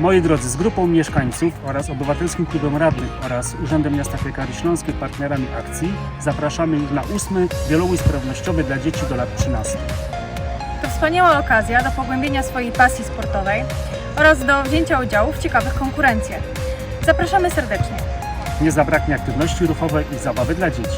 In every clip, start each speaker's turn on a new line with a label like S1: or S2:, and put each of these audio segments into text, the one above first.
S1: Moi drodzy, z grupą mieszkańców oraz Obywatelskim Klubem Radnych oraz Urzędem Miasta Piekary Śląskiej, partnerami akcji, zapraszamy już na 8. wielobój sprawnościowy dla dzieci do lat 13.
S2: To wspaniała okazja do pogłębienia swojej pasji sportowej oraz do wzięcia udziału w ciekawych konkurencjach. Zapraszamy serdecznie.
S1: Nie zabraknie aktywności ruchowej i zabawy dla dzieci.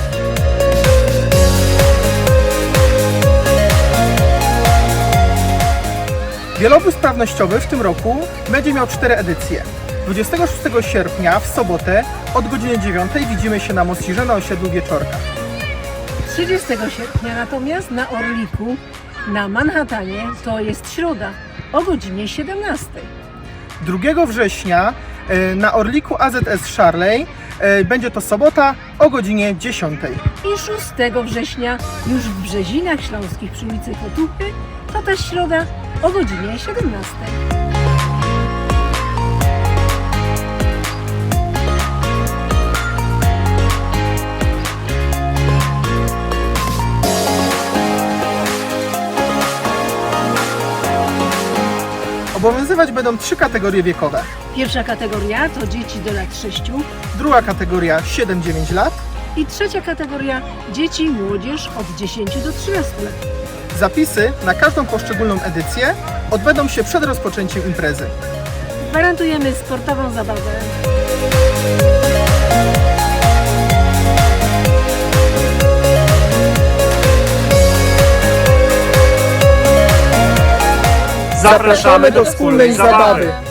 S3: Wielobój sprawnościowy w tym roku będzie miał 4 edycje. 26 sierpnia w sobotę od godziny 9 widzimy się na Mościrze na osiedlu Wieczorka.
S4: 30 sierpnia natomiast na Orliku na Manhattanie, to jest środa, o godzinie 17.
S3: 2 września na Orliku AZS Szarlej będzie to sobota o godzinie 10.
S4: I 6 września już w Brzezinach Śląskich przy ulicy Kotupy, to też środa o godzinie 17.
S3: Obowiązywać będą 3 kategorie wiekowe.
S4: Pierwsza kategoria to dzieci do lat 6
S3: Druga kategoria 7-9 lat.
S4: i trzecia kategoria dzieci i młodzież od 10 do 13 lat.
S3: Zapisy na każdą poszczególną edycję odbędą się przed rozpoczęciem imprezy.
S4: Gwarantujemy sportową zabawę.
S3: Zapraszamy do wspólnej zabawy.